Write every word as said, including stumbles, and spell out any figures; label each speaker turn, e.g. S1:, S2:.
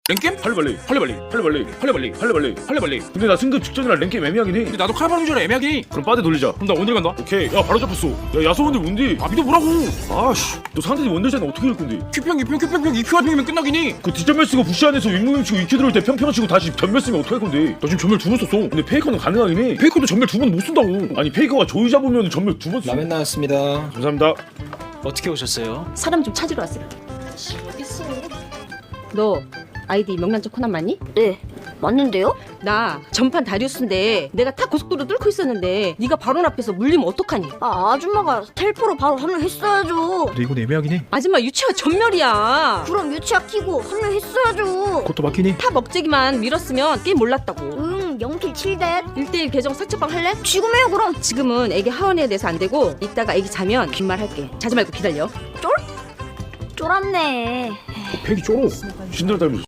S1: 랭겜?
S2: 할래발리 할래발리 할래발리 할래발리 할래발리 할래발리. 근데 나 승급 직전이라 랭게임 애매하긴 해.
S1: 근데 나도 칼바람 줄 애매하긴 해.
S2: 그럼 빠데 돌리자.
S1: 그럼 나 원딜 간다.
S2: 오케이. 야 바로 잡혔어. 야 야소원들 뭔데?
S1: 아 믿어보라고.
S2: 아씨 너 상대팀 원딜잖아. 어떻게 할 건데?
S1: 큐평 큐평 큐평 큐 이큐 한명이면 끝나긴 해.
S2: 그 뒷전멸 쓰고 부시 안에서 윗무빙 치고 이큐 들어올 때 평평 치고 다시 전멸 쓰면 어떡할 건데?
S1: 나 지금 전멸 두 번 썼어.
S2: 근데 페이커는 가능하긴 해.
S1: 페이커도 전멸 두 번 못 쓴다고.
S2: 아니 페이커가 조이 잡으면 전멸 두 번 써.
S3: 라면 나왔습니다.
S2: 감사합니다.
S3: 어떻게 오셨어요?
S4: 사람 좀 찾으러 왔어요. 너 아이디 명란젓 코난 맞니?
S5: 네, 맞는데요?
S4: 나 전판 다리우스인데 내가 타 고속도로 뚫고 있었는데 네가 바로 앞에서 물리면 어떡하니?
S5: 아, 아줌마가 텔포로 바로 합류했어야죠.
S3: 근데 이건 애매하긴 해.
S4: 아줌마 유치원 전멸이야.
S5: 그럼 유치아 키고 합류했어야죠.
S3: 그것도 맞긴 해.
S4: 타 먹재기만 밀었으면 게임 몰랐다고.
S5: 응, 영킬 칠댓.
S4: 일 대일 계정 사채방 할래?
S5: 지금 해요, 그럼.
S4: 지금은 애기 하원에 대해서 안 되고 이따가 애기 자면 빈말 할게. 자지 말고 기다려.
S5: 쫄았네.
S1: 팩이 쫄어.
S2: 신들 닮으셨어.